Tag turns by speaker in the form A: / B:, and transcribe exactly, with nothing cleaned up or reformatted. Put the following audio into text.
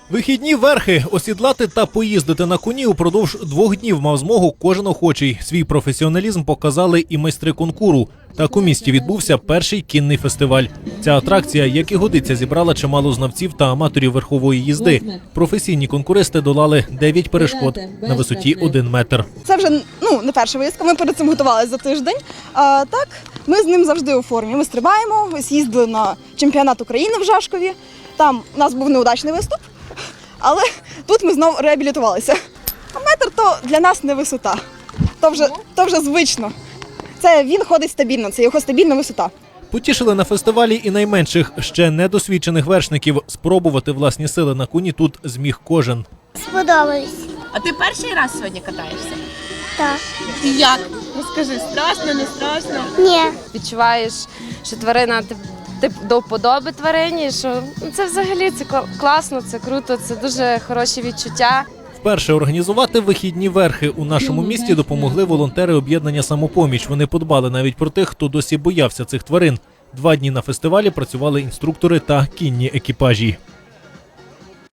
A: Вихідні верхи, осідлати та поїздити на коні упродовж двох днів мав змогу кожен охочий. Свій професіоналізм показали і майстри конкуру. Так у місті відбувся перший кінний фестиваль. Ця атракція, як і годиться, зібрала чимало знавців та аматорів верхової їзди. Професійні конкуристи долали дев'ять перешкод на висоті один метр.
B: Це вже ну, не перша виїздка, ми перед цим готувалися за тиждень. А так, ми з ним завжди у формі. Ми стрибаємо, ось їздили на чемпіонат України в Жашкові. Там у нас був неудачний виступ, але тут ми знову реабілітувалися. А метр то для нас не висота, то вже, то вже звично. Це він ходить стабільно, це його стабільна висота.
A: Потішили на фестивалі і найменших, ще недосвідчених вершників. Спробувати власні сили на коні тут зміг кожен.
C: Сподобались.
D: А ти перший раз сьогодні катаєшся?
C: Так.
D: І як? Розкажи, страшно, не страшно?
C: Ні.
E: Відчуваєш, що тварина ти, ти до вподоби тварині, що ну, це взагалі це класно, це круто, це дуже хороші відчуття.
A: Вперше організувати вихідні верхи у нашому місті допомогли волонтери об'єднання «Самопоміч». Вони подбали навіть про тих, хто досі боявся цих тварин. Два дні на фестивалі працювали інструктори та кінні екіпажі.